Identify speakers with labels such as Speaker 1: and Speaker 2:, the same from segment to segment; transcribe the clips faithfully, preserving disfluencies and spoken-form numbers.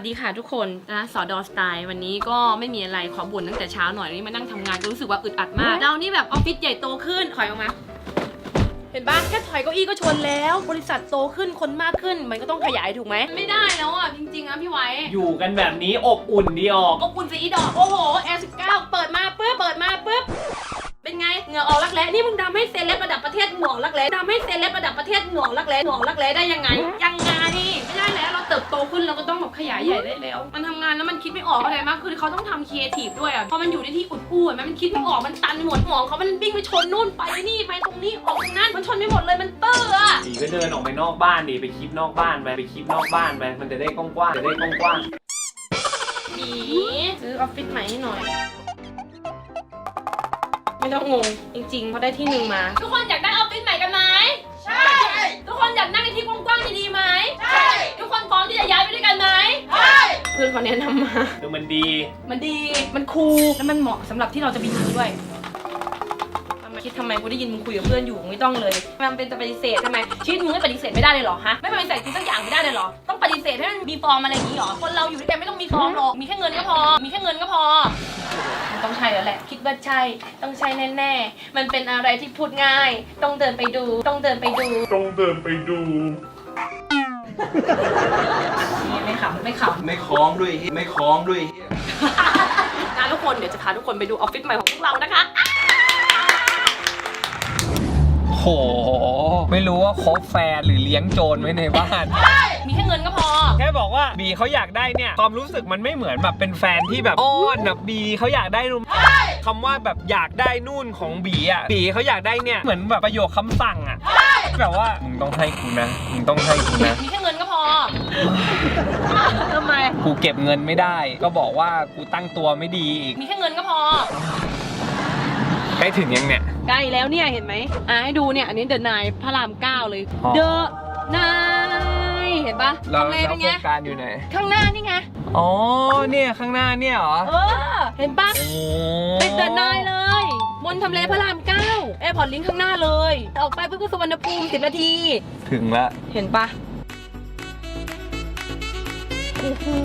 Speaker 1: ดีค่ะทุกคนนะสอดอสไตล์วันนี้ก็ไม่มีอะไรขอบ่นตั้งแต่เช้าหน่อยนี่มานั่งทำงานก็รู้สึกว่าอึดอัดมากเรานี่แบบออฟฟิศใหญ่โตขึ้นถอยออกมาเห็นปะแค่ถอยเก้าอี้ก็ชนแล้วบริษัทโตขึ้นคนมากขึ้นมันก็ต้องขยายถูกไหมไม่ได้แล้วอ่ะจริงๆนะพี่ไว้
Speaker 2: อยู่กันแบบนี้อบอุ่นดีออก
Speaker 1: อบอุ่นสีดอกโอ้โหแอร์สิบเก้าเปิดมาปุ๊บเปิดมาปุ๊บเป็นไงเหงื่อออกรักแร้นี่มึงทำให้เซเลบระดับประเทศหน่วงรักแร้ทำให้เซเลบระดับประเทศหน่วงรักแร้หน่วงรักแร้ได้ยังไงยังไงไม่ได้แล้วเราเติบโตขึ้นเราก็ต้องแบบขยายใหญ่ได้แล้วมันทำงานแล้วมันคิดไม่ออกอะไรมากคือเขาต้องทำครีเอทีฟด้วยอ่ะพอมันอยู่ในที่อุดอู้อ่ะมันคิดไม่ออกมันตันหมดหมองเขามันวิ่งไปชนนู่นไปนี่ไปตรงนี้ออกตรงนั้นมันชนไม่หมดเลยมันเตอร์อ่ะ
Speaker 2: ดีก็เดินออกไปนอกบ้านดิไปคลิปนอกบ้านไปไปคลิปนอกบ้านไปมันจะได้กว้างๆจะได้กว้าง
Speaker 1: ๆดีซื้อออฟฟิศใหม่ให้หน่อยไม่ต้องงงจริงๆเขาได้ที่หนึ่งมาทุกคนอยากได้ออฟฟิศใหม่กันไหมใช่ทุกคนอยากนั่งในที่กว้างๆดีๆไหมใช่ทุกคนพร้อมที่จะย้ายไปด้วยกันไหมใช่เพื่อนเขาแนะนำมา
Speaker 2: คือมันดี
Speaker 1: มันดีมันคูลและมันเหมาะสำหรับที่เราจะไปอยู่ด้วยทำไมคิดทำไมกูได้ยินมึงคุยกับเพื่อนอยู่ไม่ต้องเลยมันเป็นจะปฏิเสธทำไมชีวิตมึงไม่ปฏิเสธไม่ได้เลยหรอฮะไม่ปฏิเสธกูสักอย่างไม่ได้เลยหรอต้องปฏิเสธให้มันมีฟอร์มอะไรอย่างนี้หรอคนเราอยู่ด้วยกันไม่ต้องมีฟอร์มหรอกมีแค่เงินก็พอมีแค่เงินก็พอมันต้องใช่แล้วแหละคิดว่าใช่ต้องใช่แน่ๆมันเป็นอะไรที่พูดง่ายต้องเดินไปดูต้องเดินไปดู
Speaker 2: ต้องเดินไปดู
Speaker 1: ไม่ขำไม่ขำ
Speaker 2: ไม่คล้องด้วยไม่คล้องด้วย
Speaker 1: นะทุกคนเดี๋ยวจะพาทุกคนไปดูออฟฟิศใหม่ของพวกเรานะคะ
Speaker 3: โหไม่รู้ว่าคบแฟนหรือเลี้ยงโจรไว้ในบ้าน
Speaker 1: มีแค่เงินก็พอ
Speaker 3: แค่บอกว่าบีเขาอยากได้เนี่ยความรู้สึกมันไม่เหมือนแบบเป็นแฟนที่แบบอ้อนแบบบีเขาอยากได้นู่นคำว่าแบบอยากได้นู่นของบีอ่ะบีเขาอยากได้เนี่ยเหมือนแบบประโยคคำสั่งอ่ะแบบว่ามึงต้องให้กูนะมึงต้องให้กูนะ
Speaker 1: มีแค่เงินก็พอทำไม
Speaker 3: กูเก็บเงินไม่ได้ก็บอกว่ากูตั้งตัวไม่ดีอีก
Speaker 1: มีแค่เงินก็พอ
Speaker 3: ใกล้ถึงยังเนี่ย
Speaker 1: ใกล้แล้วเนี่ยเห็นไหมอ่ะให้ดูเนี่ยอันนี้เดอะนายพระรามเก้าเลยเดอะนายเห็นปะ
Speaker 3: ทำเลเป็นไงโครงการอยู่ไหน
Speaker 1: ข้างหน้านี่ไง
Speaker 3: อ๋อเนี่ยข้างหน้าเนี่ยเหรอ
Speaker 1: เออเห็นปะเป็นเดอะนายเลยบนทำเลพระรามเก้าแอร์พอร์ตลิงก์ข้างหน้าเลยออกไปเพื่อสุวรรณภูมิสิบนาที
Speaker 3: ถึงละ
Speaker 1: เห็นปะโอ้โห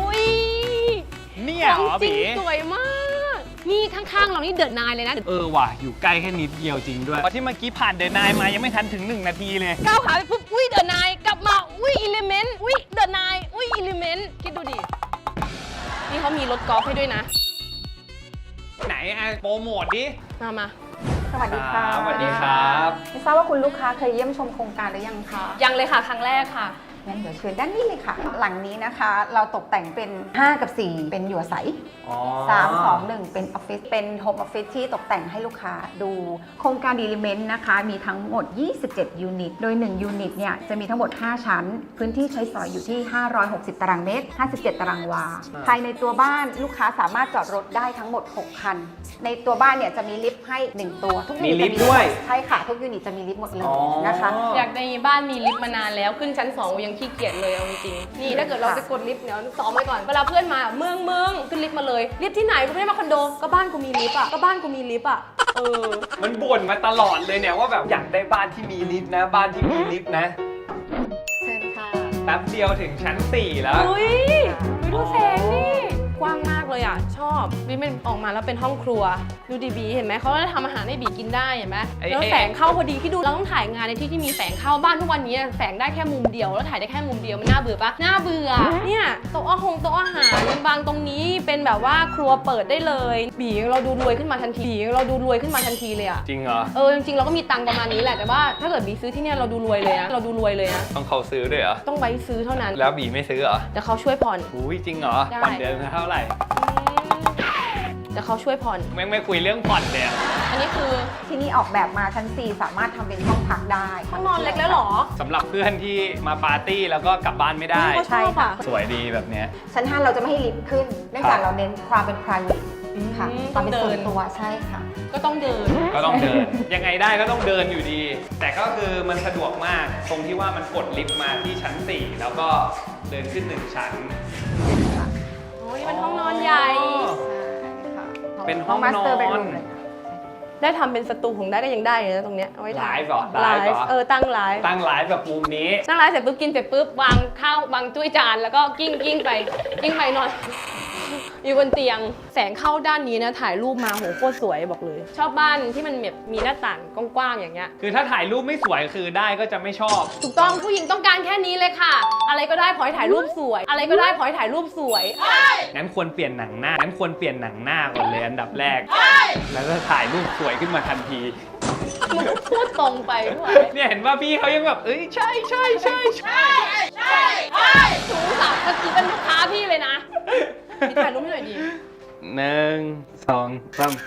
Speaker 3: เนี่ยเหรอบี
Speaker 1: สวยมากนี่ข้างๆเรานี่เดอะนายเลยนะ
Speaker 3: เออว่ะอยู่ใกล้แค่นิดเดียวจริงด้วยเพราะที่เมื่อกี้ผ่านเดอะนายมายังไม่ทันถึงหนึ่งนาทีเลย
Speaker 1: ก้าวขาไปปุ๊บอุ้ยเดอะนายกลับมาอุ้ยอิเลเมนต์อุ้ยเดอะนายอุ้ยอิเลเมนต์คิดดูดินี่เขามีรถกอล์ฟให้ด้วยนะ
Speaker 3: ไหนไอโปรโมทดิ
Speaker 1: มามา
Speaker 4: สวัสดีค่ะ
Speaker 3: สวัสดีครับ
Speaker 4: ไม่ทราบว่าคุณลูกค้าเคยเยี่ยมชมโครงการหรือยังคะ
Speaker 1: ยังเลยค่ะครั้งแรกค่ะ
Speaker 4: งั้นเดี๋ยวเชิญด้านนี้เลยค่ะหลังนี้นะคะเราตกแต่งเป็นห้ากับสี่เป็นอยู่อาศัยสาม สอง หนึ่งเป็นออฟฟิศเป็นโฮมออฟฟิศที่ตกแต่งให้ลูกค้าดูโครงการดีลิเมนต์นะคะมีทั้งหมดยี่สิบเจ็ดยูนิตโดยหนึ่งยูนิตเนี่ยจะมีทั้งหมดห้าชั้นพื้นที่ใช้สอยอยู่ที่ห้าร้อยหกสิบตารางเมตรห้าสิบเจ็ดตารางวาภายในตัวบ้านลูกค้าสามารถจอดรถได้ทั้งหมดหกคันในตัวบ้านเนี่ยจะมีลิฟต์ให้หนึ่งตัวทุกยูนิตจะมีลิฟต์ด้วยใช่ค่ะทุกยูนิตจะมีลิฟต์หมดเลยนะคะ
Speaker 1: อยากในบ้านมีลิฟต์มานานแล้วขึ้นชั้นสองยังขี้เกียจเลยเอาจริงๆนี่ถ้าเกิดเราไปกดลิฟต์เนี่ยซ้อมไว้ก่อนเวลาเพื่อนมาเมืองเมืองขึ้นลิฟต์มาเลยลิฟต์ที่ไหนกูไม่ได้มาคอนโดก็บ้านกูมีลิฟต์อ่ะก็บ้านกูมีลิฟต์อ่ะเออ
Speaker 3: มันบ่นมาตลอดเลยเนี่ยว่าแบบอยากได้บ้านที่มีลิฟต์นะบ้านที่มีลิฟต์นะ
Speaker 1: เชิญค่ะ
Speaker 3: แป๊บเดียวถึงชั้นสี่แล้ว
Speaker 1: อุ้ยดูแสงนี่กว้างมากเลยอ่ะชอบบีมันออกมาแล้วเป็นห้องครัวดูดีบีเห็นไหมเขาจะทำอาหารให้บีกินได้เห็นไหมแล้วแสงเข้าพอดีที่ดูเราต้องถ่ายงานในที่ที่มีแสงเข้าบ้านทุกวันนี้แสงได้แค่มุมเดียวแล้วถ่ายได้แค่มุมเดียวมันน่าเบื่อปะน่าเบื่อเนี่ยโต๊ะอาหงโต๊ะอาหารบางตรงนี้เป็นแบบว่าครัวเปิดได้เลยบีเราดูรวยขึ้นมาทันทีบีเราดูรวยขึ้นมาทันทีเลยอ่ะ
Speaker 3: จริงเหรอ
Speaker 1: เออจริงๆเราก็มีตังค์ประมาณนี้แหละแต่ว่าถ้าเกิดบีซื้อที่เนี่ยเราดูรวยเลยนะเราดูรวยเลยนะ
Speaker 3: ต้องเขาซื้อด้วยเหรอ
Speaker 1: ต้องไว้ซื้อเท่านั้น
Speaker 3: แล้วบีไม่ซื้อเหรอ
Speaker 1: แต่เขาช่วยผ่อน
Speaker 3: อุ้ยจริงเหรอผ่อนเดือนเท่าไหร่
Speaker 1: แต่เขาช่วยผ่อน
Speaker 3: ไม่ไม่คุยเรื่องผ่อนเลย
Speaker 1: อันนี้คือ
Speaker 4: ที่นี่ออกแบบมาชั้นสี่สามารถทำเป็นห้องพักได้
Speaker 1: ห้องนอนเล็กแล้วหรอ
Speaker 3: สำหรับเพื่อนที่มาปาร์ตี้แล้วก็กลับบ้านไม่ได้
Speaker 1: ใช่ค่ะ
Speaker 3: สวยดีแบบนี้
Speaker 4: ชั้นห้าเราจะไม่ให้ลิฟต์ขึ้นเนื่องจากเราเน้นความเป็น private ค่ะความเป็นส่วนตัวใช่ค่ะ
Speaker 1: ก็ต้องเดิน
Speaker 3: ก็ต้องเดินยังไงได้ก็ต้องเดินอยู่ดีแต่ก็คือมันสะดวกมากตรงที่ว่ามันกดลิฟต์มาที่ชั้นสี่แล้วก็เดินขึ้นหนึ่งชั้น
Speaker 1: โอ้ยมันห้องนอนใหญ่
Speaker 3: เป็นห้องนอน
Speaker 1: ได้ทำเป็นสตูของได้ก็ยังได้เลยนะตรงเนี้ยเอาไว้
Speaker 2: ไล
Speaker 1: ถ่าย
Speaker 2: ฟ์เหรอ
Speaker 1: ไล
Speaker 2: ไลฟ์เหรอ
Speaker 1: ฟ์เออตั้งไลฟ์
Speaker 2: ตั้งไลฟ์แบบมุมนี้
Speaker 1: นั่งไลฟ์เสร็จปุ๊บกินเสร็จปุ๊บวางข้าววางจุ้ยจานแล้วก็กิ้งกิ้งไปกิ้งไปนอน อยู่บนเตียงแสงเข้าด้านนี้นะถ่ายรูปมาโหโคตรสวยบอกเลย ชอบบ้านที่มันแบบมีหน้าต่างกว้างๆอย่างเงี้ย
Speaker 2: คือถ้าถ่ายรูปไม่สวยคือได้ก็จะไม่ชอบ
Speaker 1: ถูกต้องผู้หญิงต้องการแค่นี้เลยค่ะ อะไรก็ได้ขอให้ถ่ายรูปสวย อะไรก็ได้ขอให้ถ่ายรูปสวย
Speaker 2: งั้นควรเปลี่ยนหนังหน้า งั้นควรเปลี่ยนหนังหน้าก่อนเลยอันดับแรก แล้วก็ถ่ายรูปสวยขึ้นมาทันที
Speaker 1: มึงก็พูดตรงไปด้วย
Speaker 2: เนี่ยเห็นว่าพี่เขายังแบบ เอ้ยใช่ใช่ใช่ใช่
Speaker 1: หนูสาวเมื่อกี้เป็นลูกค้าพี่เลยนะพี่ถ่ายรูปให้หน่อยดิ
Speaker 2: หนึ่งสองสาม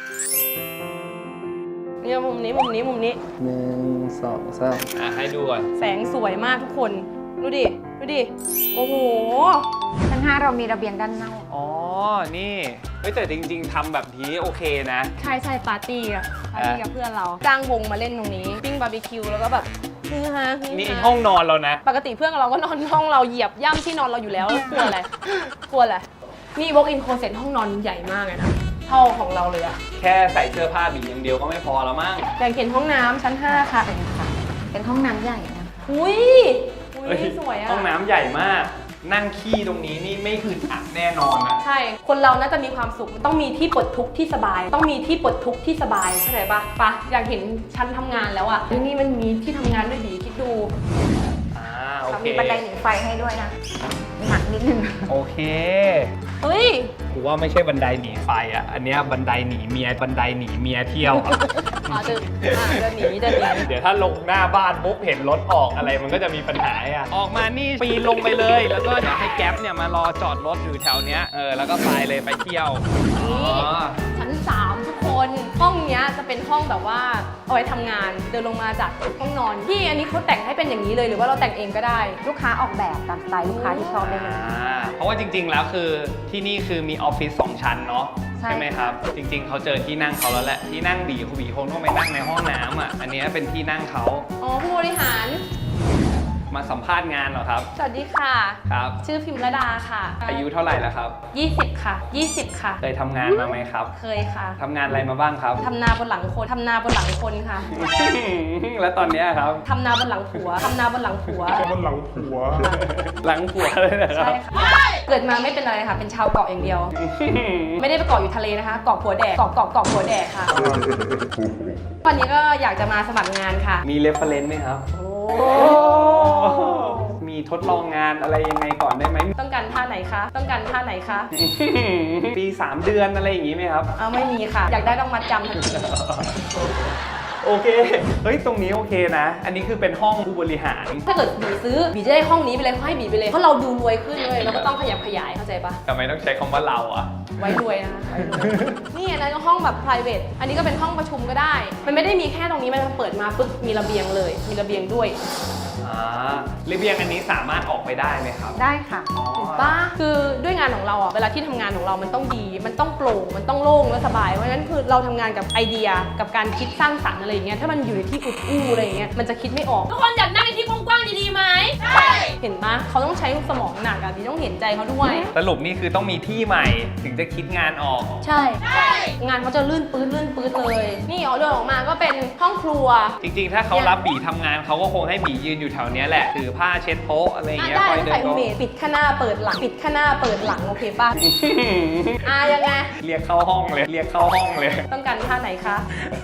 Speaker 1: เนี่ยมุมนี้มุมนี้มุมนี้
Speaker 2: หนึ่งสองสามอ่ะให้ดูก่อน
Speaker 1: แสงสวยมากทุกคน ดูดิ ดูดิ โอ้โห
Speaker 4: ชั้นห้าเรามีระเบียงด้านนอก
Speaker 2: อ๋อ นี่เฮ้ยแต่จริงๆทำแบบนี้โอเคนะ
Speaker 1: ใช่ใช่ปาร์ตี้อะปาร์ตี้กับเพื่อนเรา จ้างวงมาเล่นตรงนี้ ปิ้งบาร์บีคิวแล้วก็แบบฮือฮาฮือ
Speaker 2: นี่
Speaker 1: ฮา
Speaker 2: ห้องนอนเรานะ
Speaker 1: ปกติเพื่อนเราก็นอนห้องเราเหยียบย่ำที่นอนเราอยู่แล้วกลัวอะไรกลัวอะไรนี่ walk in closet ห้องนอนใหญ่มากเลยนะเท่าของเราเลยอะ
Speaker 2: แค่ใส่เสื้อผ้าบีอย่างเดียวก็ไม่พอแล้วมั้ง
Speaker 1: แบ่งเห็นห้องน้ำชั้นห้าค่ะ
Speaker 4: เป็นค่ะ เป็นห้องน้ำใหญ่นะคะ
Speaker 1: อุ้ยอุ้
Speaker 2: เฮ้
Speaker 1: ยสวยอะ
Speaker 2: ห้องน้ำใหญ่มาก นั่งขี้ตรงนี้นี่ไม่อึดอัดแน่นอนอะ
Speaker 1: ใช่ คนเราน่าจะมีความสุขมันต้องมีที่ปลดทุกข์ที่สบาย ต้องมีที่ปลดทุกข์ที่สบายเข้าใจปะปะอยากเห็นชั้นทำงานแล้วอะที่นี่มันมีที่ทำงานด้วยดีคิดดู
Speaker 2: อ่าโอเค
Speaker 4: มีบันไดหนีไฟให้ด้วยนะหนักนิดนึง
Speaker 2: โอเค
Speaker 1: เฮ้ย
Speaker 2: กูว่าไม่ใช่บันไดหนีไฟอ่ะ อันเนี้ยบันไดหนีเมีย บันไดหนีเมียเที่ยวอะ
Speaker 1: อ๋อเดินอ่าเดินหนีเดินหนี
Speaker 2: เดี๋ยวถ้าลงหน้าบ้านปุ๊บเห็นรถออกอะไรมันก็จะมีปัญหาอ่ะ ออกมานี่ปีนลงไปเลย แล้วก็เดี๋ยวให้แก๊ปเนี่ยมารอจอดรถอยู่แถวเนี้ย เออ แล้วก็ไปเลยไปเที่ยว อ๋อ
Speaker 1: ชั้นสามทุกคน ห้องเนี้ยจะเป็นห้องแบบว่าเอาไว้ทำงาน เดินลงมาจากห้องนอนพี่อันนี้เขาแต่งให้เป็นอย่างนี้เลยหรือว่าเราแต่งเองก็ได้
Speaker 4: ลูกค้าออกแบบตามสไตล์ลูกค้าที่ชอบได้เลย
Speaker 2: อ่าเพราะว่าจริงๆ แล้วคือที่นี่คือมีออฟฟิศสองชั้นเนาะ
Speaker 4: ใช่
Speaker 2: ใช่ไหมครับ จริง ๆ เขาเจอที่นั่งเขาแล้วแหละ ที่นั่งบีเขาบีคงต้องไปนั่งในห้องน้ำอ่ะ อันเนี้ยเป็นที่นั่งเขา
Speaker 1: อ๋อผู้บริหาร
Speaker 2: มาสัมภาษณ์งานเหรอครับ
Speaker 1: สวัสดีค่ะ
Speaker 2: ครับ
Speaker 1: ชื่อพิมระดาค่ะ
Speaker 2: อายุเท่าไหร่แล้วครับ
Speaker 1: ยี่สิบค่ะยี่สิบค่ะ
Speaker 2: เคยทำงานมาไหมครับ
Speaker 1: เคยค่ะ
Speaker 2: ทำงานอะไรมาบ้างครับ
Speaker 1: ทำนาบนหลังคนทำนาบนหลังคนค่ะ
Speaker 2: แล้วตอนเนี้ยครับ
Speaker 1: ทำนาบนหลังผัวทำนาบนหลังผัว
Speaker 2: หลังผัวเลยนะครั
Speaker 1: ใช่
Speaker 2: บ
Speaker 1: ค่ะ เกิดมาไม่เป็นอะไรค่ะ เป็นชาวเกาะอย่างเดียว ไม่ได้ไปเกาะอยู่ทะเลนะคะ เกาะผัวแดก เกาะเกาะเกาะผัวแดกค่ะ วันนี้ก็อยากจะมาสมัครงานค่ะ
Speaker 2: มีเรฟเฟรนซ์ไหมครับ
Speaker 1: โอ้
Speaker 2: มีทดลองงานอะไรยังไงก่อนได้ไหม
Speaker 1: ต้องการท่าไหนคะ ต้องการท่าไหนคะ
Speaker 2: ปีสามเดือนอะไรอย่างงี้ไหมครับ
Speaker 1: เอาไม่มีค่ะ อยากได้ต้องมัดจำทันที
Speaker 2: โอเค เฮ้ย ตรงนี้โอเคนะ อันนี้คือเป็นห้องผู้บริหาร
Speaker 1: ถ้าเกิดบีซื้อบีจะได้ห้องนี้ไปเลยเขาให้บีไปเลย เพราะเราดูรวยขึ้นเลยเราก็ต้องขยับขยายเข้าใจปะ
Speaker 2: ทำไมต้องใช้คำว่าเราอ่ะ
Speaker 1: ไว้รวยนะคะไว้รวยนี่อันนั้นก็ห้องแบบ private อันนี้ก็เป็นห้องประชุมก็ได้ มันไม่ได้มีแค่ตรงนี้มันเปิดมาปุ๊บมีระเบียงเลย มีระเบียงด้วย
Speaker 2: อ่าระเบียงอันนี้สามารถออกไปได้ไหมครับ
Speaker 4: ได้ค่ะ
Speaker 1: ถูกปะคือด้วยงานของเราอ่ะ เวลาที่ทำงานของเรามันต้องดี มันต้องโปร่ง มันต้องโล่งและสบาย เพราะฉะนั้นคือเราทำงานกับไอเดีย กับการคิดสร้างสรรค์อะไรอย่างเงี้ย ถ้ามันอยู่ในที่อุดอู้อะไรอย่างเงี้ย มันจะคิดไม่ออก ทุกคนอยากนั่งในที่กว้างๆดีๆไหมใช่ เห็นปะเขาต้องใช้สมองหนักอะบีต้องเห็นใจเขาด้วย
Speaker 2: สรุปนี่คือต้องมีที่ใหม่ถึงจะคิดงานออก
Speaker 1: ใช่ งานเขาจะลื่นปื้ดลื่นปื้ดเลย นี่เอาเดินออกมาก็เป็นห้องครัว
Speaker 2: จริงๆ ถ้าเขารับบีทำงานเขาก็คงให้บียืนอยู่แถวเนี้ยแหละ ถือผ้าเช็ดโต๊ะอะไรอย่าง
Speaker 1: อ่ะ
Speaker 2: เงี้ย
Speaker 1: ได้
Speaker 2: คอย
Speaker 1: ถ้า
Speaker 2: เดิ
Speaker 1: ใส่
Speaker 2: น
Speaker 1: อุ
Speaker 2: ก็
Speaker 1: เมปิดข้างหน้าเปิดหลัง ปิดข้างหน้าเปิดหลังโอเคป่ะ อ่ะยังไง
Speaker 2: เรียกเข้าห้องเลย เรียกเข้าห้องเลย
Speaker 1: ต้องการท่าไหนคะ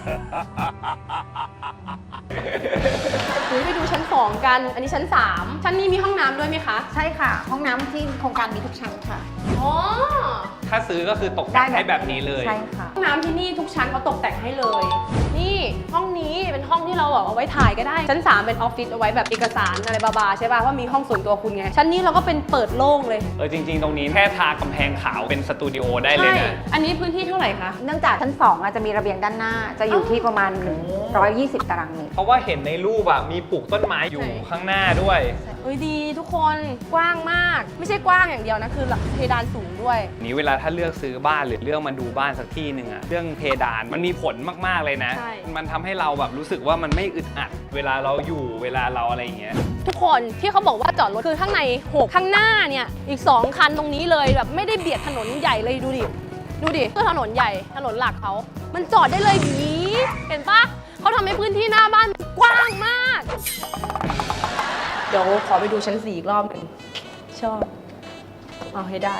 Speaker 1: หรือไปดูชั้นสองกัน อันนี้ชั้นสามชั้นนี้มีห้องน้ำด้วยไหมคะ
Speaker 4: ใช่ค่ะ ห้องน้ำที่โครงการมีทุกชั้นค่ะ
Speaker 1: อ๋อ
Speaker 2: ถ้าซื้อก็คือตกแต่งให้แบบนี้เลย
Speaker 4: ใช่ค่ะ
Speaker 1: ห้องน้ำที่นี่ทุกชั้นเขาตกแต่งให้เลย นี่ห้องนี้เป็นห้องที่เราแบบเอาไว้ถ่ายก็ได้ ชั้นสามเป็นออฟฟิศเอาไว้แบบเอกสารอะไรบาๆใช่ป่ะว่ามีห้องส่วนตัวคุณไง ชั้นนี้เราก็เป็นเปิดโล่งเลย
Speaker 2: เออจริง ๆ ตรงนี้แค่ทากำแพงขาวเป็นสตูดิโอได้เลย
Speaker 1: ใช่
Speaker 2: นะ
Speaker 1: อันนี้พื้นที่เท่าไหร่คะ
Speaker 4: เนื่องจากชั้นสองอาจจะมีระเบียงด้านหน้า จะอยู่ที่ประมาณหนึ่งร้อยยี่สิบตารางเมตร
Speaker 2: เพราะว่าเห็นในรูปอะมีปลูกต้นไม้อยู่
Speaker 1: ใช่
Speaker 2: ข้างหน้าด้วย
Speaker 1: เฮ้ยดีทุกคนกว้างมาก ไม่ใช่กว้างอย่างเดียวนะคือเพดานสูงด้วย
Speaker 2: นี้เวลาถ้าเลือกซื้อบ้านหรือเลือกมาดูบ้านสักที่หนึ่งอะเรื่องเพดานมันมีผลมากๆเลยนะ
Speaker 1: ใช่
Speaker 2: มันทำให้เราแบบรู้สึกว่ามันไม่อึดอัด เวลาเราอยู่เวลาเราอะไรอย่างเงี้ย
Speaker 1: ทุกคนที่เขาบอกว่าจอดรถคือข้างในหกข้างหน้าเนี่ยอีกสองคันตรงนี้เลยแบบไม่ได้เบียดถนนใหญ่เลยดูดิดูดิคือถนนใหญ่ถนนหลักเขามันจอดได้เลยดีเห็นปะเขาทำให้พื้นที่หน้าบ้านกว้างมาก เดี๋ยวขอไปดูชั้นสี่อีกรอบหนึ่งชอบเอาให้ได้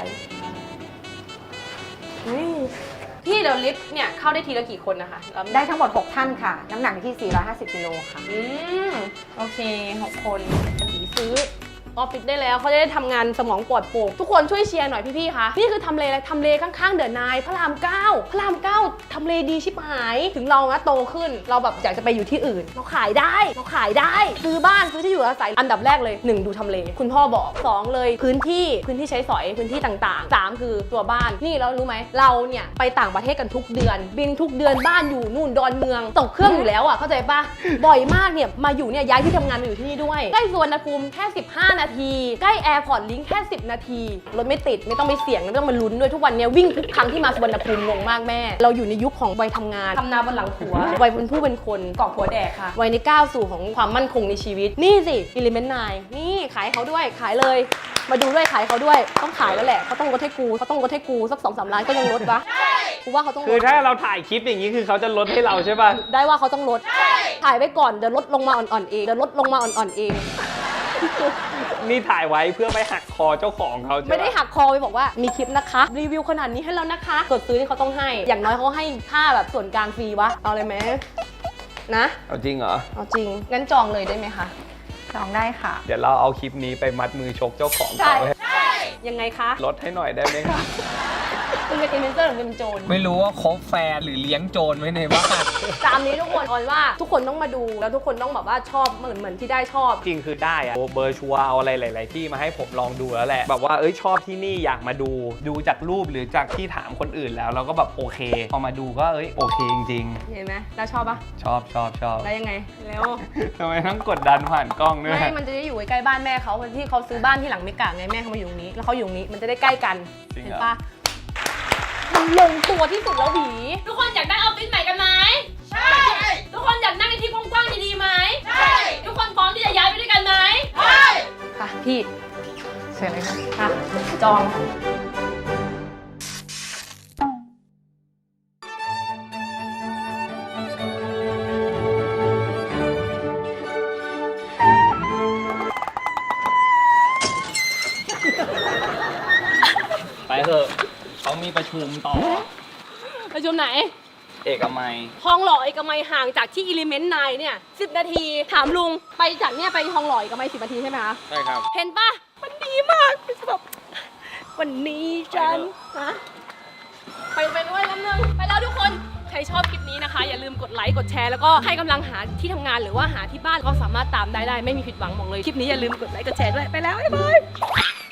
Speaker 1: อุ๊ยพี่เดี๋ยวลิฟต์เนี่ยเข้าได้ทีละกี่คนนะคะแล้ว
Speaker 4: ได้ทั้งหมดหกท่านค่ะ น้ำหนักที่สี่ร้อยห้าสิบกิโลค่ะ
Speaker 1: อืมโอเคหกคนสีซื้อออฟฟิศได้แล้วเขาจะได้ทำงานสมองปลอดโปร่งทุกคนช่วยเชียร์หน่อยพี่ๆคะนี่คือทำเลอะไรทำเลข้างๆเดอะนายพระรามเก้าพระรามเก้าทำเลดีชิบหายถึงเรานะโตขึ้นเราแบบอยากจะไปอยู่ที่อื่น เราขายได้เราขายได้ซื้อบ้านซื้อที่อยู่อาศัยอันดับแรกเลยหนึ่งดูทำเลคุณพ่อบอกสองเลยพื้นที่พื้นที่ใช้สอยพื้นที่ต่างๆสามคือตัวบ้านนี่เรารู้ไหมเราเนี่ยไปต่างประเทศกันทุกเดือนบินทุกเดือนบ้านอยู่นู่นดอนเมืองตกเครื่องอยู่แล้วอ่ะเข้าใจปะบ่อยมากเนี่ยมาอยู่เนี่ยย้ายที่ทำงานมาอยู่ที่นี่ด้วยใกล้สุวรรณภูมิแค่สิบห้านาทีใกล้แอร์พอร์ตลิงค์แค่สิบนาทีรถไม่ติดไม่ต้องไปเสี่ยงไม่ต้องมาลุ้นด้วยทุกวันนี้วิ่งทุกครั้งที่มาสุวรรณภูมิงงมากแม่เราอยู่ในยุคของวัยทำงานทำนาบนหลังผัววัยเป็นผู้เป็นคนกอบผัวแดกค่ะวัยในก้าวสู่ของความมั่นคงในชีวิตนี่สิ Element ไนน์ นี่ขายเขาด้วยขายเลยมาดูด้วยขายเขาด้วยต้องขายแล้วแหละเขาต้องลดให้กูเขาต้องลดให้กูสักสองสามล้านก็ยังลดปะกูว่าเขาต้องลด
Speaker 2: คือถ้าเราถ่ายคลิปอย่างนี้คือเขาจะลดให้เราใช่ป่ะ
Speaker 1: ได้ว่าเขาต้องลดถ่ายไว้ก่อนเดี๋ยวลดลงมาอ่อนๆเองเดี๋ยวลดลงมาอ่อนๆเอง
Speaker 2: นี่ถ่ายไว้เพื่อไปหักคอเจ้าของเขาใช่ไหม
Speaker 1: ไม่ได้หักคอไปบอกว่ามีคลิปนะคะรีวิวขนาดนี้ให้แล้วนะคะกดซื้อที่เขาต้องให้อย่างน้อยเขาให้ค่าแบบส่วนกลางฟรีวะเอาเลยไหมนะ
Speaker 2: เอาจริงเหรอ
Speaker 1: เอาจริงงั้นจองเลยได้ไหมคะ
Speaker 4: จองได้ค่ะ
Speaker 2: เดี๋ยวเราเอาคลิปนี้ไปมัดมือชกเจ้าของ
Speaker 1: ใช่
Speaker 2: เขาให้
Speaker 1: ยังไงคะ
Speaker 2: ลดให้หน่อยได้ไหมคะ
Speaker 1: คุณเป็นอินฟลูเอนเซอร์หรือเป็นโจร
Speaker 3: ไม่รู้ว่าคบแฟนหรือเลี้ยงโจรไว้ในบ้าน
Speaker 1: ตามนี้ทุกคนออนว่าทุกคนต้องมาดูแล้วทุกคนต้องแบบว่าชอบเหมือนเหมือนที่ได้ชอบ
Speaker 2: จริงคือได้อะเบอร์ชัวร์เอาอะไรหลาย ๆ ที่มาให้ผมลองดูแล้วแหละแบบว่าเอ้ยชอบที่นี่อยากมาดูดูจากรูปหรือจากที่ถามคนอื่นแล้วเราก็แบบโอเคพอมาดูก็เอ้ยโอเคจริง
Speaker 1: เห็นไหมแล้วชอบปะ
Speaker 2: ๆ ชอบชอบชอบ
Speaker 1: แล้วยังไงแล้ว
Speaker 2: ทำไมต้องกดดันผ่านกล้องด้วย
Speaker 1: ไม่มันจะได้อยู่ใกล้บ้านแม่เขาที่เขาซื้อบ้านที่หลังเมกะไงแม่เขามาอยู่ตรงนี้แล้วเขาอยู่ตรงนี้มันจะได้ใกล้กันเห็นปะมันลงตัวที่สุดแล้วหวีทุกคนอยากได้ออฟฟิศใหม่กันไหมใช่ทุกคนอยากนั่งในที่กว้างๆดีๆไหมใช่ทุกคนพร้อมที่จะย้ายไปด้วยกันไหมใช่ค่ะพี่เสร็จเลยค่ะจอง
Speaker 2: ไปเถอะเขามีประชุมต่อ
Speaker 1: ประชุมไหน
Speaker 2: เอกมัย
Speaker 1: ทองหล่อเอกมัยห่างจากที่ Element ไนน์เนี่ยสิบนาทีถามลุงไปจากเนี่ยไปทองหล่อเอกมัยสิบนาทีใช่ไหมคะ
Speaker 2: ใช่ครับ
Speaker 1: เห็นปะมันดีมากแบบวันนี้ฉันนะไปไปด้วยน้ำหนึ่งไปแล้วทุกคนใครชอบคลิปนี้นะคะ อย่าลืมกดไลค์กดแชร์แล้วก็ให้กำลังหาที่ทำงานหรือว่าหาที่บ้านก็สามารถตามได้ได้ไม่มีผิดหวังบอกเลยคลิปนี้อย่าลืมกดไลค์กดแชร์ด้วยไปแล้วบ๊ายบาย